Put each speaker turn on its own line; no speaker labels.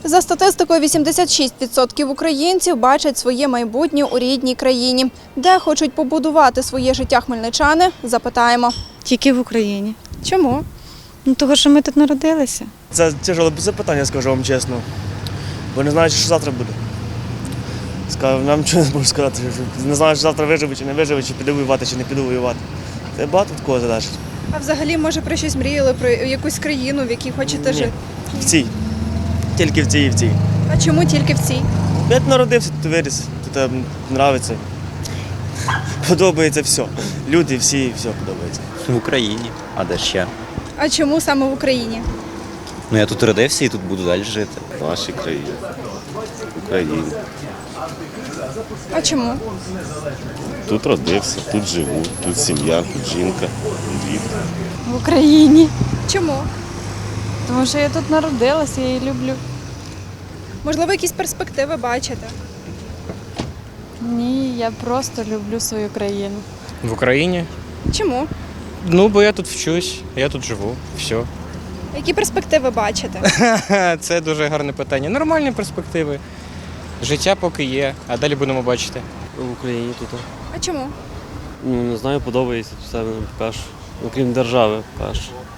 За статистикою, 86% українців бачать своє майбутнє у рідній країні. Де хочуть побудувати своє життя хмельничани – запитаємо.
Тільки в Україні.
Чому?
Ну, того, що ми тут народилися.
Це тяжеле запитання, скажу вам чесно. Бо не знаю, що завтра буде. Нам нічого не можу сказати. Не знаю, що завтра виживе чи не виживе, чи піду воювати, чи не піду воювати. Це багато від кого залежить.
А взагалі, може, про щось мріяли, про якусь країну, в якій хочете жити?
В цій. Тільки в цій і в цій.
А чому тільки в цій?
Я тут народився, тут виріс, тут подобається. Подобається все. Люди всі, все подобається.
В Україні, а де ще?
А чому саме в Україні?
Ну я тут родився і тут буду далі жити.
В нашій країні. В Україні.
А чому?
Тут родився, тут живу, тут сім'я, тут жінка, діти.
В Україні.
Чому?
Тому що я тут народилася, я її люблю.
Можливо, якісь перспективи бачите?
Ні, я просто люблю свою країну.
В Україні?
Чому?
Ну, бо я тут вчусь, я тут живу, все.
Які перспективи бачите?
Це дуже гарне питання. Нормальні перспективи. Життя поки є, а далі будемо бачити.
В Україні тут.
А чому?
Ну, не знаю, подобається все перш. Окрім держави перш.